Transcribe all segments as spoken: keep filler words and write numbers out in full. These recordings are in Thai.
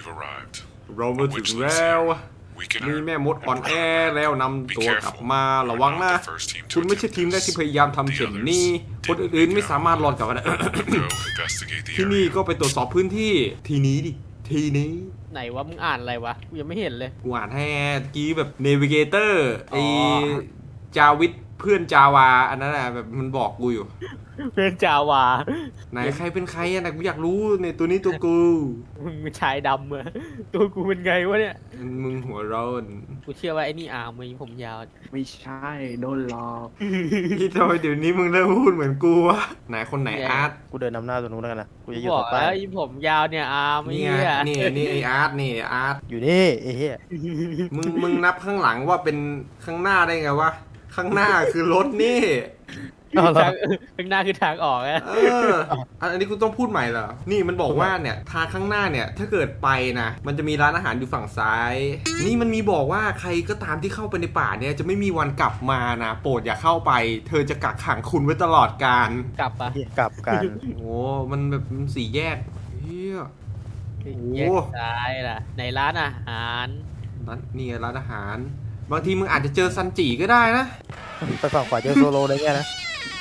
เรามาถึงแล้วมีแม่มดอ่อนแอแล้วนำตัวกลับมาระวังนะคุณไม่ใช่ทีมแรกที่พยายามทำเช่นนี้คนอื่นๆไม่สามารถรอดกลับมาได้ ที่นี่ก็ไปตรวจสอบพื้นที่ทีนี้ดิทีนี้ไหนวะมึงอ่านอะไรวะกูยังไม่เห็นเลยกูอ่านให้กี้แบบเนวิเกเตอร์ไอจาวิทเพื่อนจาวาอันนั้นอะแบบมันบอกกูอยู่เพื่อนจาวาไหนใครเป็นใครอะนะกูอยากรู้ในตัวนี้ตัวกูมึงเป็นชายดำเหรอตัวกูเป็นไงวะเนี่ยมึงหัวร้อนกูเชื่อว่าไอ้นี่อาร์มมึงผมยาวไม่ใช่โดนหลอกที่ทำไมเดี๋ยวนี้มึงเริ่มพูดเหมือนกูวะไหนคนไหนอาร์ตกูเดินนำหน้าตัวนู้นแล้วกันนะกูจะอยู่บตอรกงใต้แล้วยิ่ผมยาวเนี่ยอาร์มนี่ไอ้เหี้ยนี่นี่ไออาร์ตนี่อาร์ตอยู่นี่ไอ้เหี้ยมึงมึงนับข้างหลังว่าเป็นข้างหน้าได้ไงวะข้างหน้าคือรถนี่ทางข้างหน้าคือทางออกอะเอออันนี้กูต้องพูดใหม่เหรอนี่มันบอกว่าเนี่ยทางข้างหน้าเนี่ยถ้าเกิดไปนะมันจะมีร้านอาหารอยู่ฝั่งซ้ายนี่มันมีบอกว่าใครก็ตามที่เข้าไปในป่าเนี่ยจะไม่มีวันกลับมานะโปรดอย่าเข้าไปเธอจะกักขังคุณไว้ตลอดกาลกลับปะกลับกันโอ้มันแบบสี่แยกเฮียแยกซ้ายล่ะในร้านอาหารนั่นนี่ร้านอาหารบางทีมึงอาจจะเจอซันจิก็ได้นะไปฝั่งขวาเจอโซโลได้ไงนะ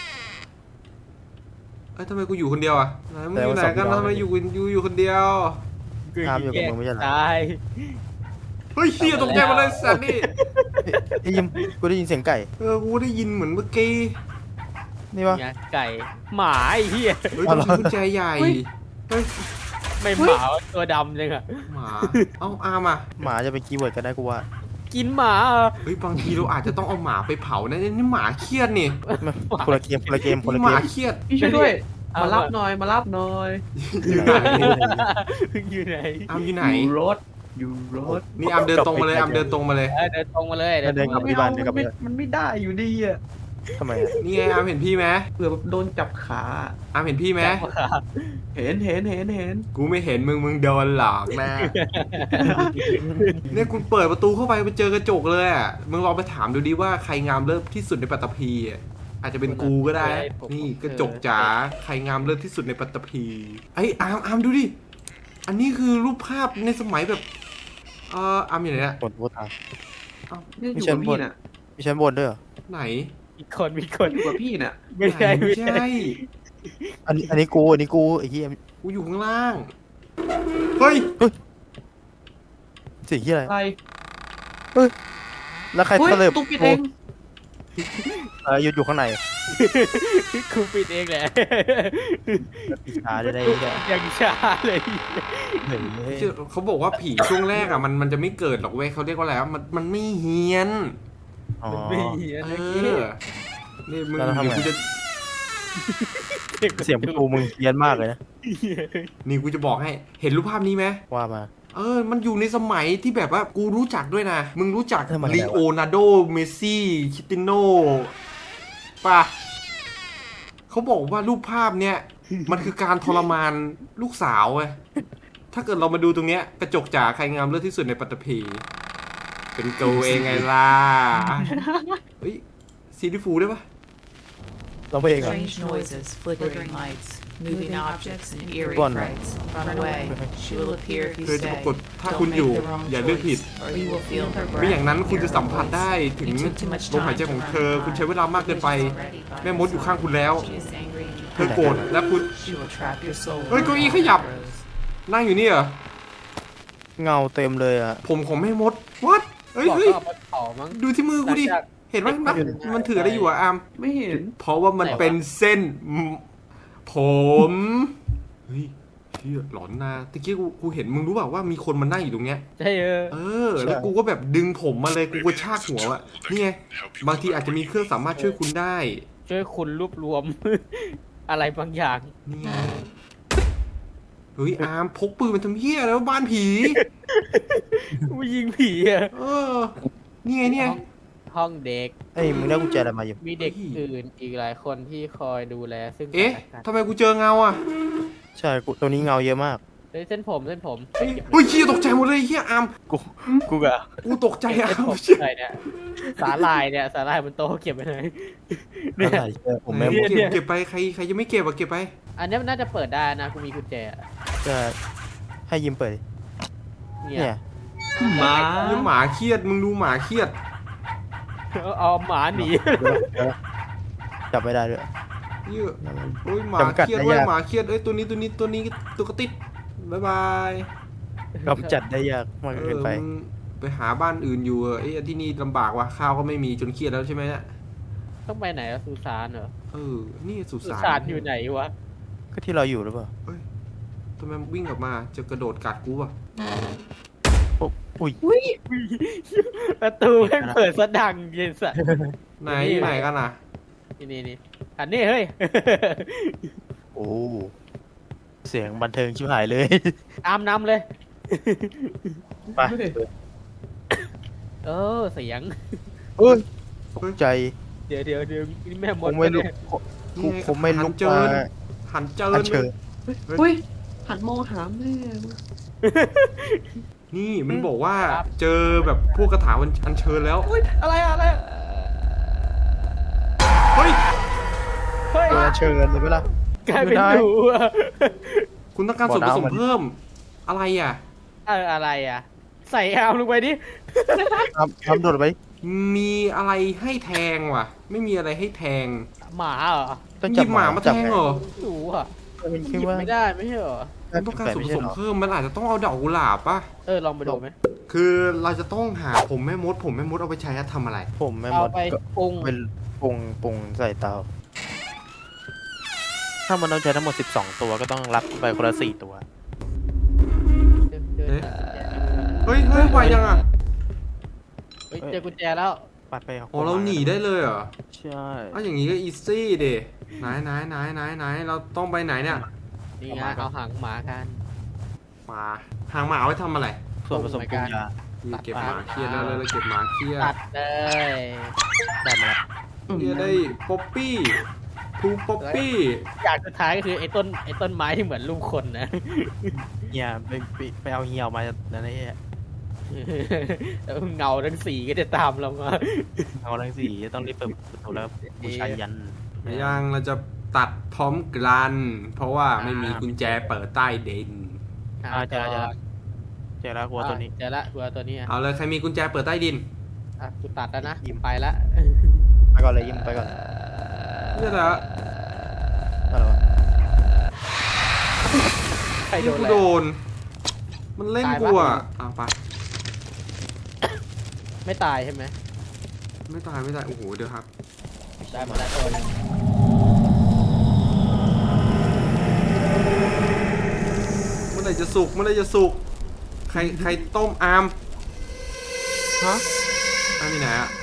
เอ้ยทำไมกูอยู่คนเดียวอ่ะไหนมึงอยู่ไหนกันทำไมอยู่อยู่อยู่คนเดียวทำอยู่กับมึงไม่ใช่หรอเฮ้ยเฮียตกใจมาเลยสัตว์นี่ได้ยินกูได้ยินเสียงไก่เออกูได้ยินเหมือนเมื่อกี้นี่วะไก่หมาไอ้เหี้ยเฮ้ยต้องกุญแจใหญ่เฮ้ยไม่หมาตัวดำเลยอะหมาเอ้าอามาหมาจะเป็นคีย์เวิร์ดกันได้กูว่ากินหมาเฮ้ยบางทีเราอาจจะต้องเอาหมาไปเผานะนี่หมาเครียดนี่คนละเกมคนละเกมคนละเกมหมาเครียดพี่ช่วยด้วยมารับหน่อยมารับหน่อยอยู่ไหนอยู่ไหนอามอยู่ไหนอยู่รถอยู่รถนี่อามเดินตรงมาเลยอามเดินตรงมาเลยเดินตรงมาเลยเดินกลับที่บ้านเดินกลับไปมันไม่ได้อยู่ดีอ่ะทำไมนี่ไงอามเห็นพี่ไหมเผื่อแบบโดนจับขาอามเห็นพี่ไหมเห็นเห็นเห็นเห็นกูไม่เห็นมึงมึงโดนหลอกนะเนี่ยคุณเปิดประตูเข้าไปไปเจอกระจกเลยอ่ะมึงลองไปถามดูดิว่าใครงามเลิศที่สุดในปัตตภีอาจจะเป็นกูก็ได้นี่กระจกจ๋าใครงามเลิศที่สุดในปัตตภีไอ้อามอามดูดิอันนี้คือรูปภาพในสมัยแบบเอออามอยู่ไหนอะบนบนทางนี่อยู่กับพี่น่ะมีชั้นบนด้วยเหรอไหนมีคนมีคนอยู่กับพี่น่ะไม่ใช่ไม่ใช่อันนี้อันนี้กูอันนี้กูไอ้ที่กูอยู่ข้างล่างเฮ้ยสิ่งที่อะไรอะไรเฮ้ยแล้วใครเตลิบตุ๊กปิดเองเอออยู่อยู่ข้างในกูปิดเองแหละช้าได้ได้ยังช้าเลยเขาบอกว่าผีช่วงแรกอ่ะมันมันจะไม่เกิดหรอกเว้ยเขาเรียกว่าอะไรมันมันไม่เฮี้ยนไม่เฮี้ยนเออนี่มึงกูจะเสียงประตูมึงเฮี้ยนมากเลยนะนี่กูจะบอกให้เห็นรูปภาพนี้ไหมว่ามาเออมันอยู่ในสมัยที่แบบว่ากูรู้จักด้วยนะมึงรู้จักลีโอนาร์โดเมสซี่คริสติโนป่ะเขาบอกว่ารูปภาพเนี้ยมันคือการทรมานลูกสาวเว้ยถ้าเกิดเรามาดูตรงเนี้ยกระจกจ๋าใครงามเลิศที่สุดในปัตตภีเป็นกูเองไงล่ะเฮ้ยซีรีฟูได้ปะเราไปเองเหรอ Moving objects and eerie frights. Run away. She will appear if you stay. ถ้าคุณอยู่อย่าเลือกผิดไม่อย่างนั้นคุณจะสัมผัสได้ถึงลมหายใจของเธอคุณใช้เวลามากเกินไปแม่มดอยู่ข้างคุณแล้วเธอโกรธและคุณเฮ้ยเก้าอี้ขยับนั่งอยู่นี่เหรอเงาเต็มเลยอะผมของแม่มดวัดเฮ้ยเฮ้ยดูที่มือกูดิเห็นไหมมันถืออะไรอยู่อะอามไม่เห็นเพราะว่ามันเป็นเส้นผมเฮ้ยเชี่ยหลอนนะตะกี้กูกูเห็นมึงรู้เปล่าว่ามีคนมานั่งอยู่ตรงเนี้ยใช่เออเออแล้วกูก็แบบดึงผมมาเลยกูก็ชากหัวอ่ะนี่ไงบางทีอาจจะมีเครื่องสามารถช่วยคุณได้ช่วยคุณรวบรวมอะไรบางอย่างนี่ไงเฮ้ยอาร์มพกปืนมันทำเหี้ยแล้วบ้านผีกูยิงผีอ่ะเออนี่ไงเนี่ยห้องเด็กเอ้ยมึงได้กุญแจอะไรมาอยู่มีเด็กอื่นอีกหลายคนที่คอยดูแลซึ่งเอ๊ะทำไมกูเจอเงาอ่ะใช่กูตัวนี้เงาเยอะมากเส้นผมเส้นผมเฮ้ยเฮียตกใจหมดเลยเฮียอาร์มกูกูกะกูตกใจอาร์มอะไรเนี่ยสาลายเนี่ยสาลายบนโต๊ะเก็บไปไหนเนี่ยผมไม่เก็บเก็บไปใครใครจะไม่เก็บอะเก็บไปอันนี้มันน่าจะเปิดได้นะกูมีกุญแจจะให้ยิ้มเปิดเนี่เนี่ย ยหมาเรื่องหมาเครียดมึงดูหมาเครียดเอาเอาหมาหนีจับไม่ได้ด้วยเยอะโอ้ยหมาจำกัดเครียดได้เว้ยยากหมาเครียดเอ้ยตัวนี้ตัวนี้ตัวนี้ตัวกระติดบ๊ายบายกำจัดได้ยากมากเอเกิอนไปมึงไปหาบ้านอื่นอยู่เออเอ้ยที่นี่ลำบากว่ะข้าวก็ไม่มีจนเครียดแล้วใช่ไหมเนี่ยต้องไปไหนอะสุสานเหรอเออนี่สุสุสานสานอยู่ไหนวะก็ที่เราอยู่หรือเปล่าทำไมวิ่งกลับมาจะกระโดดกัดกูป่ะอุ๊ยอุ้ยประตูแม่งเปิดสะดังเย็นสัสไหนอยู่ไหนกันอ่ะนี่นี่นี่อันนี้เฮ้ยโอ้เสียงบันเทิงชิบหายเลยตามนำเลยไปเออเสียงเอ้ยตกใจเดี๋ยวเดี๋ยวเดี๋ยวนี่แม่มผดมไม่ลุกปะเนี่ยกูผมไม่ลุกหันเจิมาญหันเจิอัญนเชิญอุ้ยหันมองหาแม่นี่มันบอกว่าเจอแบบพวกกระถาวันอันเชิญแล้วอุ้ยอะไรอะไรเฮ้ยเฮ้ยเจออันเชิญเลยไหมล่ะกลายเป็นหนูอะคุณต้องการส่วนผสมเพิ่มอะไรอ่ะเอออะไรอ่ะ ใส่อามลงไปดิทำทำโดดไปมีอะไรให้แทงว่ะ ไม่มีอะไรให้แทงหมาเหรอต้องหจัยิบบหมามาแทงเหรอหนูอ่ะมันหคิดยิบว่าไม่ได้ไม่ใช่เหรอคุณต้องการส่วนผไม่ใช่สมหรอเพิ่มมันอาจจะต้องเอาดอกกุหลาบป่ะเออลองไปดูไหมคือเราจะต้องหาผมแม่มด ผมแม่มดเอาไปใช้ทำอะไรผมไม่หมเอาดไปก็ปรุงเป็นปรุงปรุงใส่เตา ถ้ามันต้องใช้ทั้งหมดสิบสองตัวก็ต้องรับไปคนละสี่ตัวเดินเดินเอ๊ะ เฮ้ยเฮ้ยไวยังอ่ะเฮ้ยเจอกุญแจแล้วปัดไปอ๋อเราหนีได้เลยเหรอใช่อ้าวอย่างงี้ก็อีซี่เดไหนไหนไหนไหนไหนเราต้องไปไหนเนี่ยนี่ไงเอาหางหมากันหมาหางหมาเอาไว้ทำอะไรส่วนผสมปรุงยานี่เก็บหมาเครียดแล้วแล้วเราเก็บหมาเครียดตัดเลยได้มาแล้วเครียดได้ป๊อปปี้ทูป๊อปปี้อย่างสุดท้ายก็คือไอ้ต้นไอ้ต้นไม้ที่เหมือนรูปคนนะเฮียไปไปไปเอาเหี่ยวมาแล้วนะเฮียแล้วเงาทั้งสีก็จะตามเรามาเอาทั้งสี่ต้องรีบเปิดประตูแล้วบูชายันในย่างเราจะตัดพร้อมกัน เพราะว่าไม่มีกุญแจเปิดใต้ดินอ่าเจอแล้วเจอแล้วเจอแล้วหัวตัวนี้เจอละหัวตัวนี้อ่ะเอาเลยใครมีกุญแจเปิดใต้ดินอ่ะกูตัดแล้วนะยิ้มไปละไปก่อนเลยยิ้มไปก่อนนี่แหละอะไรวะใครโดนี่นกูอะไรโดน มันเล่นกูอ่ะอ่ะไปไม่ตายใช่ไหมไม่ตายไม่ตายโอ้โหเดี๋ยวครับได้หมดแล้วตัวหนึงเมื่อไหรจะสุกเมื่อไหรจะสุกใครใครต้มอามฮะอามมีไหนอ่ะ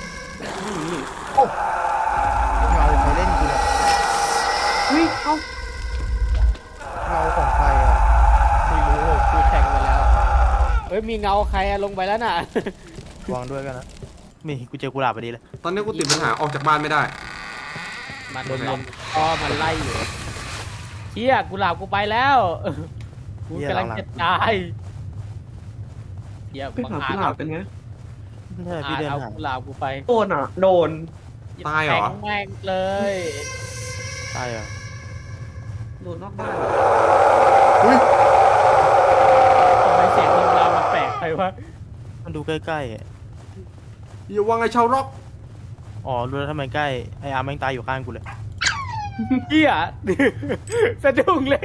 เงาใครเล่นกูเนี่ยอุ้ยเอ้าเงาของใครอ่ะไม่รู้กูแทงไปแล้วเฮ้ยมีเงาใครอะลงไปแล้วน่ะวางด้วยกันนะนี่กูเจอกุหลาบพอดีเลยตอนนี้กูติดปัญหาออกจากบ้านไม่ได้มันโดนลมอ๋อมันไล่อยู่เฮียกูหลาบกูไปแล้วกูกำลังจะตายเฮียไปบังหาอากุจหลาบเป็นไงใช่อาพี่จเดินเอาหากูหลาบกูไปโดนอ่ะ โดนตายเหรอแทงแม่งเลยใช่อ่ะโดนนอกบ้านอุ้ยทำไมเสียงของเรามันแปลกไปวะมันดูใกล้ๆอ่ะอย่าว่าไงชาวร็อกอ๋อรู้แล้วทำไมใกล้ไออาร์มแม่งตายอยู่ข้างกูเลยเฮียสะดุ้งเลย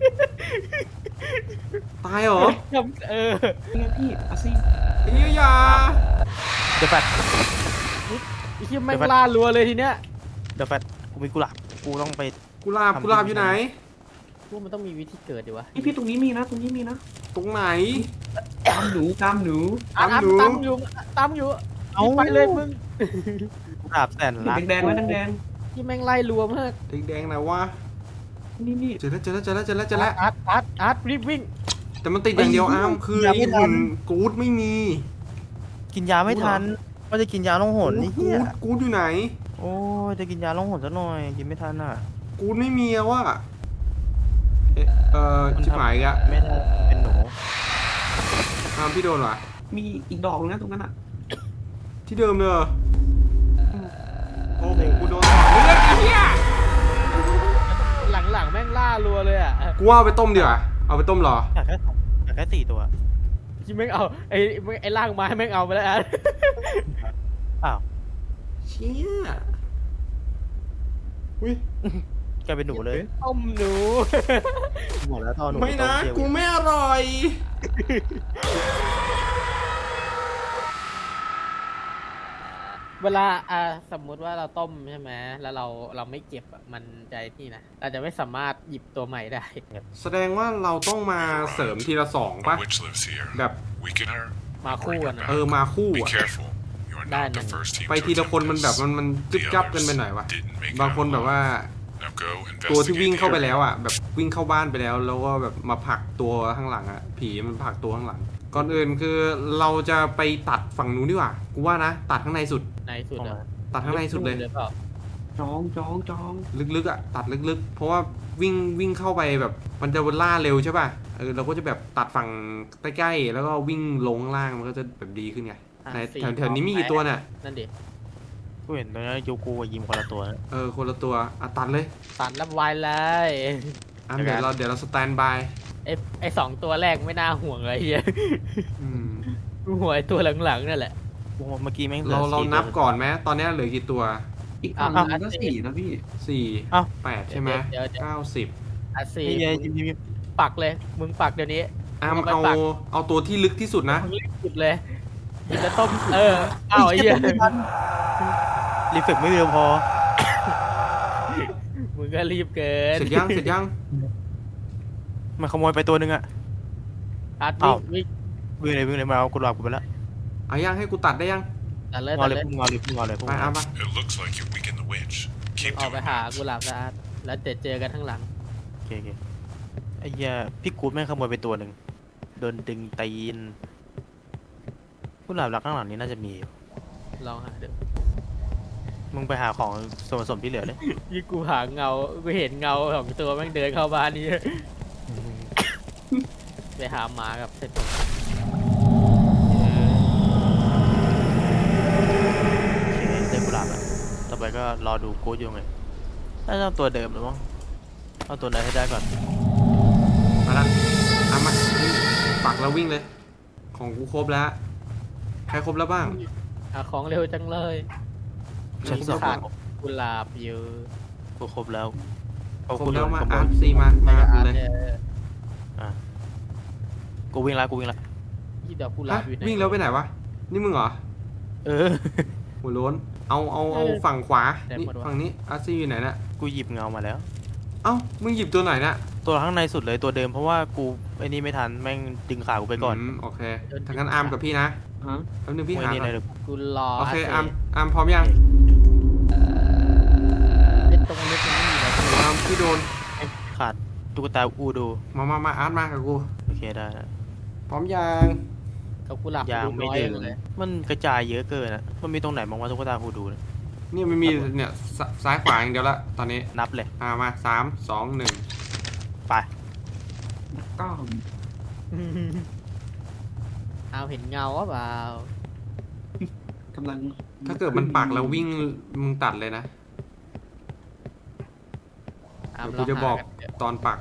ตายเหรอเออนี่ไงพี่เอาสิไอ้เหี้ยอย่าเดี๋ยวแฟดไอ้เฮียแม่งล่ารัวเลยทีเนี้ยเดี๋ยวแฟดกูมีกุหลาบกูต้องไปกุหลาบกุหลาบอยู่ไหนพวกมันต้องมีวิธีเกิดดิวะนี่พี่ตรงนี้มีนะ ตรงนี้มีนะตรงไหนตามหนูตามหนูอ่ะตามอยู่ตามอยู่ตามอยู่เอ้าไปเลยมึงกุหลาบแสนรักแดงๆไว้แดงที่แม่งไล่รัวมากแดงๆไหนวะๆนี่นี่เจอแล้วเจอแล้วเจอแล้วเจอแล้วเจอแล้วอาร์ตอาร์ตอาร์ตรีบวิ่งแต่มันติดอย่างเดียวอ้ามคือไอ้หุ่นกูดไม่มีกินยาไม่ทันว่าจะกินยาล่องหนนี่กูเฮียดกูดอยู่ไหนโอ้ยจะกินยาล่องหนซะหน่อยกินไม่ทันอ่ะกูดไม่มีอะว่ะเอ๊ะเอ่อชิบหายอีกอะไม่ได้เป็นหนูอ้ามพี่โดนวะมีอีกดอกนึงนะตรงนั้นอ่ะที่เดิมเลยเหรอโอ้โหกูโดนต่อเลือดไอ้เหี้ยหลังๆแม่งล่ารัวเลยอ่ะกูว่าเอาไปต้มดีกว่าเอาไปต้มเหรออยากแค่อยากแค่สี่ตัวยกี้แม่งเอาไอ้ไอ้ล่างไม้แม่งเอาไปแล้วอ่ะอ้าวเชี่ยอุ้ยกลายเป็นหนูเลยต้มหนูหมดแล้วท่อหนูไม่นะต้องเที่ยวกูไม่อร่อยเวลาอ่าสมมุติว่าเราต้มใช่ไหมแล้วเราเราไม่เก็บอ่ะมันใจที่นะเราจะไม่สามารถหยิบตัวใหม่ได้แสดงว่าเราต้องมาเสริมทีละสอง A ป่ะ witch lives here. แบบ Weaken her. มาคู่กันนะเออมาคู่ Be อ่ะ careful. You are not the first team ไป to ทีละ attempt คนมันแบบ this. มันมันจึ๊บจับกันไปหน่อยวะ Didn't make it บางคนแบบว่า Now go ตัวที่ investigate วิ่ง the เข้าไป area. แล้วอ่ะแบบวิ่งเข้าบ้านไปแล้วแล้วก็แบบมาผลักตัวข้างหลังอ่ะผีมันผลักตัวข้างหลัง ก่อนอื่นคือเราจะไปตัดฝั่งนู้นดีกว่ากูว่านะตัดข้างในสุดในสุดอ่ะตัดข้างในสุดเลยเปล่าจองจองจองลึกๆอ่ะตัดลึกๆ เพราะว่าวิ่งวิ่งเข้าไปแบบมันจะล่าเร็วใช่ป่ะเออเราก็จะแบบตัดฝั่งใกล้ๆแล้วก็วิ่งลงข้างล่างมันก็จะแบบดีขึ้นไงอ่ะในสี่แถวแถวนี้มีกี่ตัวเนี่ยนั่นดิกูเห็นตรงนี้ยูกูกับยิมคนละตัวนะเออคนละตัวอ่ะตัดเลยตัดแล้วไวเลยอ่ะเดี๋เดี๋ยยว วเราเดี๋ยวเราสแตนบายไอ้ไอ้สองตัวแรกไม่น่าห่วงเลยเฮียอืมห่วงไอ้ตัวหลังๆนั่นแหละกูเมื่อกี้แม่งหลืเราอเราสี่นับตัวก่อนไหมตอนนี้เหลือกี่ตัวอีกฝั่งหนึงก็สี่นะพี่สี่เอ้าแปดใช่ไหมเดี๋ยวเดี๋ยวเก้าสิบอ่ะสี่นี่ไงยิมยิมยิมปักเลย มึงปักเดี๋ยวนี้อามเอาไปเอาปักเอาตัวที่ลึกที่สุดนะมึงรีบหยุดเลยยิงจะต้มเอออ้าวไอ้เหี้ยรีเฟกไม่เร็วพอมึงก็รีบเกินเสร็จยังเสร็จยังมันขโมยไปตัวหนึงอะอาร์ตอ้าวิ่วงวิ่งวิ่งเลยวิ่งเลยมาเอากูหลอกกูไปแล้วเอายังให้กูตัดได้ยังตัดเลยงอตัดเลยเลยพุ่งงอเลยพุ่งงอเลยพุ่งไปงออาเลยปะ It looks like you weakened the witch. Keep ออก doing ไปหา that. กุหลาบนะอาร์ตแล้วเดี๋ยวเจอกันข้างหลังโอเคโอเคไอ้เหี้ยพี่กูดแม่งขโมยไปตัวหนึ่งโดนดึงตีนกูหลับรักข้างหลังนี้น่าจะมีอยู่ลองหาดูมึงไปหาของส่วนผสมที่เหลือเลยยี่กูหาเงากูเห็นเงาของตัวแม่งเดินเข้าบ้านนี่ ไปหาหมากับเส้นผมโอเคได้กุหลาบแล้วต่อไปก็รอดูกูดอยู่ไงน่าจะเอาตัวเดิมหรือมั้งเอาตัวไหนให้ได้ก่อนมาละอามาปักแล้ววิ่งเลย ของกูครบแล้ว ใครครบแล้วบ้างหาของเร็วจังเลยชั้นสองขาดกุหลาบอยู่กูครบแล้วเอาครบกูแล้วมาขโมอาย ร์ซีมา มากูเลยอ่ะกูวิ่งละกูวิ่งละที่ดอกกุหลาฮะบอยู่ไหนวิ่งแล้วไปไหนวะ นี่มึงเหรอเออหัวโล้น เอาเอาเอาฝั่งขวาไหนนี่หมดวะฝั่งนี้อาร์ซีอยู่ไหนน่ะกูหยิบเงามาแล้วเอ้า มึงหยิบตัวไหนน่ะตัวข้างในสุดเลยตัวเดิมเพราะว่ากูไอ้นี่ไม่ทันแม่งดึงขากูไปก่อนมโอเคถ้างั้นอาร์มกับพี่นะฮะแป๊บนึงพี่ไอ้หานี่ก่อในนเดี๋ยวกูรอโอเคสิอาร์มอาร์มพร้อมยังไอ้ตรงนี้มันไม่มีแล้วอาร์มพี่โดนขาดตุ๊กตาอูดูมามามาอาร์ตมากับกูโอเคได้พร้อมยังกับกุหลาบยางไม่น้อดึงเลยมันกระจายเยอะเกินอะมันมีตรงไหนบ้างวะตุ๊กตาอูดูเนี่ยเนี่ยมันมีเนี่ยซซ้ายขวาอย่างเดียวละตอนนี้นับเลยอ่ามาสามสองหนึ่งไปเก้าเอาเห็นเงาว่าเปล่ากำลังถ้าเกิดมันปักแล้ววิ่งมึงตัดเลยนะเอาเดี๋ยวกูจะบอกลงหากันเดี๋ยวตอนปัก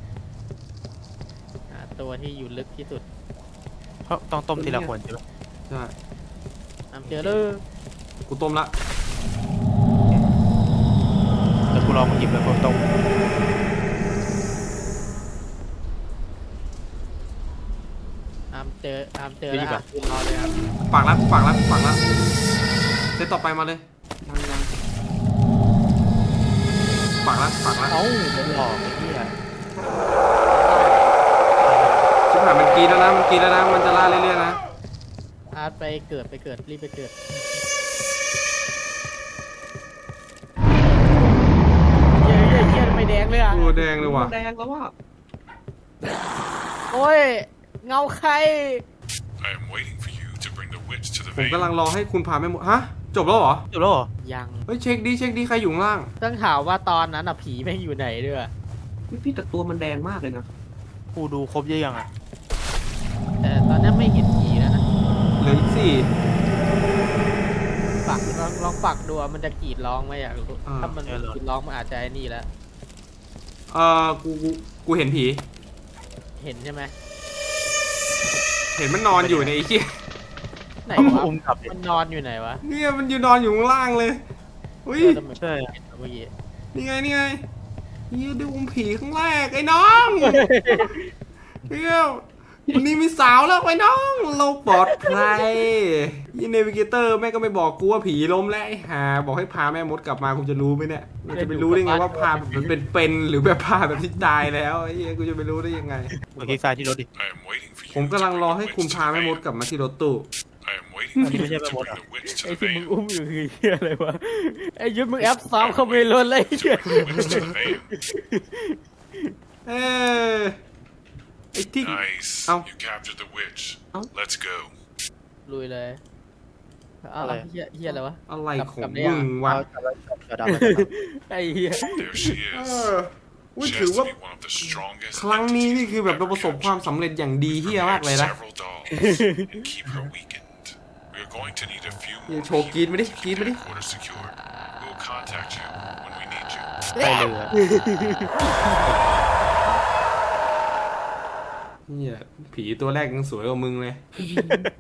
หาตัวที่อยู่ลึกที่สุดเพราะต้องต้มทีละคนใช่ไหมใช่อามเจอเลยกูต้มละแต่กูลองมาหยิบแล้วก็ต้มอามเจออามเจอแล้วอ่ะรอเลยครับปักละปักละปักละเซตต่อไปมาเลยยังยังปักละปักละเอ้าไม่ออกไอ้เหี้ยชิบหายมันกรีดแล้วนะมันกรีดแล้วนะมันจะล่าเรื่อยๆนะอาร์ตไปเกิดไปเกิดรีบไปเกิดเย้เย้เย้ไม่แดงเลยอ่ะโอ้แดงเลยว่ะแดงแล้วว่ะโอ้ยเงาใคร I am waiting for you to bring the witch to the ผม vein. กำลังรอให้คุณพาแม่หมดฮะจบแล้วเหรอจบแล้วเหรอยังเฮ้ยเช็คดิเช็คดิใครอยู่ข้างล่างต้องถามว่าตอนนั้นอ่ะผีแม่งอยู่ไหนด้วยพี่พี่แต่ตัวมันแดงมากเลยนะกูดูครบเยอะยังอะแต่ตอนนี้ไม่เห็นผีแล้วนะเหลืออีกสี่ปักลองลองปักดูอะมันจะกรีดร้องไหมอยากรู้อ่าถ้ามันกรีดร้องมันอาจจะไอ้นี่แล้วเออกูกูกูเห็นผีเห็นใช่ไหมเห็นมันนอนอยู่ในไอ้เหี้ยไหนเอาวะอุ้มกลับดิมันนอนอยู่ไหนวะเนี่ยมันอยู่นอนอยู่ข้างล่างเลยอุ้ยเออทำไมใช่เห็นเมื่อกี้นี่ไงนี่ไงเฮียดูอุ้มผีข้างแรกไอ้น้องเฮียวันนี้มีสาวแล้วไอ้น้องเราปลอดภัยยี่เนวิเกเตอร์แม่ก็ไม่บอกกูว่าผีล้มแล้วไอ้ห่าบอกให้พาแม่มดกลับมากูจะรู้ไหมเนี่ยเราจะไปรู้ได้ไงว่าพาแบบมันเป็นเป็นหรือแบบพาแบบที่ตายแล้วไอ้เฮียกูจะไปรู้ได้ยังไงกดคลิกซ้ายที่รถดิ I am waiting for you ผมกำลังรอให้ to คุณ bring the พา witch แม่ to ม the ด van. กลับมาที่รถตู้ I am waiting for you Hindi mo siya to bring mamota. the witch to ไอ้ the ที่มึง van. อุ้มอยู่คือเฮียอะไรวะไอ้ยุทธมึงแอปซ้อมเข้าไปล้นเลยไอ้เหี้ย Bring the witch to the van. เออไอ้ที่ Nice. Ow. You captured the witch. Ow. Let's go. ลุยเลยเอาอะไรเฮียเฮียอะไรวะอะไรของกลับได้มึยังงวะเอาจับแล้วจับจับดาวแล้วจับไอ้เฮีย There she เอ is. ออุ้ย She ถือ has ว่า to be one of the strongest ครั้งนี้นี่ entities คือแบบเรา we've ประสบ ever ความ captured. สำเร็จอย่างดีเฮียมากเลย Prepared นะ several dolls and keep her weakened. We are going to need a few นี่ more โชว์กรีดมาดิ people กรีด to มา keep ดิ headquarters secure. We will contact you when we need you. ไปเรือเนี่ยผีตัวแรกยังสวยกว่ามึงเลย